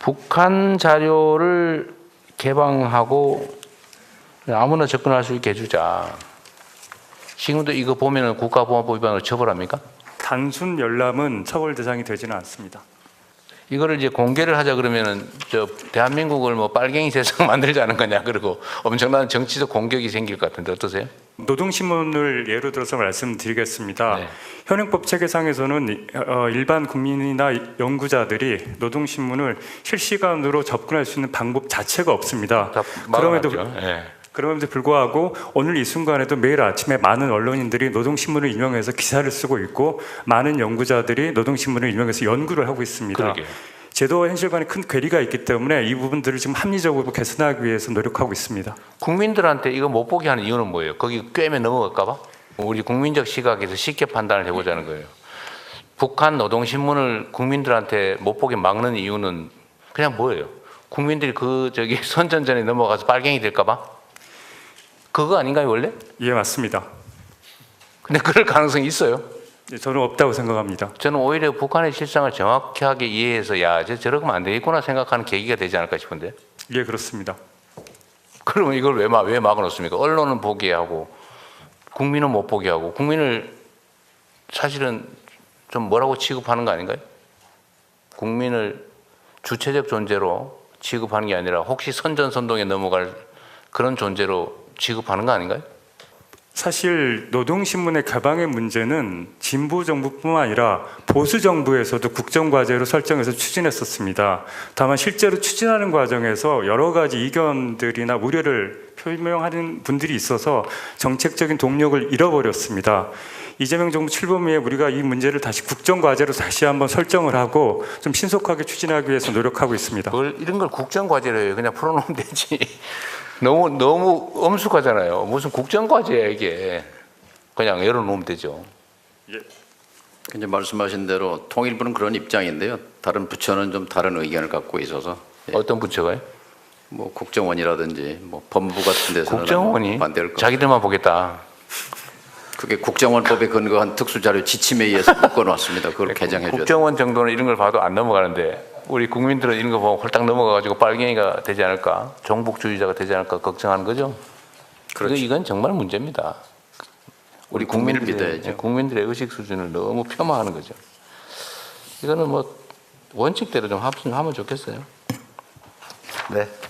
북한 자료를 개방하고 아무나 접근할 수 있게 해주자. 지금도 이거 보면은 국가보안법 위반으로 처벌합니까? 단순 열람은 처벌 대상이 되지는 않습니다. 이거를 이제 공개를 하자 그러면은 저 대한민국을 뭐 빨갱이 세상 만들자는 거냐, 그리고 엄청난 정치적 공격이 생길 것 같은데 어떠세요? 노동신문을 예로 들어서 말씀드리겠습니다. 네. 현행법 체계상에서는 일반 국민이나 연구자들이 노동신문을 실시간으로 접근할 수 있는 방법 자체가 없습니다. 다 막아놨죠. 네. 그럼에도 불구하고 오늘 이 순간에도 매일 아침에 많은 언론인들이 노동신문을 인용해서 기사를 쓰고 있고 많은 연구자들이 노동신문을 인용해서 연구를 하고 있습니다. 그러게요. 제도와 현실 간에 큰 괴리가 있기 때문에 이 부분들을 지금 합리적으로 개선하기 위해서 노력하고 있습니다. 국민들한테 이거 못 보게 하는 이유는 뭐예요? 거기 꿰매 넘어갈까 봐? 우리 국민적 시각에서 쉽게 판단을 해보자는 거예요. 북한 노동신문을 국민들한테 못 보게 막는 이유는 그냥 뭐예요? 국민들이 그 저기 선전전에 넘어가서 빨갱이 될까 봐? 그거 아닌가요 원래? 예, 맞습니다. 근데 그럴 가능성이 있어요. 저는 없다고 생각합니다. 저는 오히려 북한의 실상을 정확하게 이해해서 야, 저러면 안 되겠구나 생각하는 계기가 되지 않을까 싶은데. 예, 그렇습니다. 그러면 이걸 왜 막아놓습니까? 언론은 보게 하고 국민은 못 보게 하고 국민을 사실은 좀 뭐라고 취급하는 거 아닌가요? 국민을 주체적 존재로 취급하는 게 아니라 혹시 선전선동에 넘어갈 그런 존재로 취급하는 거 아닌가요? 사실 노동신문의 개방의 문제는 진보 정부뿐만 아니라 보수 정부에서도 국정과제로 설정해서 추진했었습니다. 다만 실제로 추진하는 과정에서 여러 가지 이견들이나 우려를 표명하는 분들이 있어서 정책적인 동력을 잃어버렸습니다. 이재명 정부 출범 후에 우리가 이 문제를 다시 국정과제로 다시 한번 설정을 하고 좀 신속하게 추진하기 위해서 노력하고 있습니다. 이런 걸 국정과제로 해요. 그냥 풀어놓으면 되지. 너무 엄숙하잖아요. 무슨 국정과제야 이게. 그냥 열어놓으면 되죠. 이제 말씀하신 대로 통일부는 그런 입장인데요. 다른 부처는 좀 다른 의견을 갖고 있어서 어떤 부처가요? 뭐 국정원이라든지 뭐 법무 같은 데서는 국정원이 반대할 거. 자기들만 보겠다. 그게 국정원법에 근거한 특수자료 지침에 의해서 묶어놨습니다. 그걸 개정해 줘야 국정원 정도는 이런 걸 봐도 안 넘어가는데 우리 국민들은 이런 거 보고 홀딱 넘어가가지고 빨갱이가 되지 않을까, 종북주의자가 되지 않을까 걱정하는 거죠. 그렇죠. 이건 정말 문제입니다. 우리 국민을 믿어야죠. 국민들의 의식 수준을 너무 폄하하는 거죠. 이거는 뭐 원칙대로 좀 하면 좋겠어요. 네.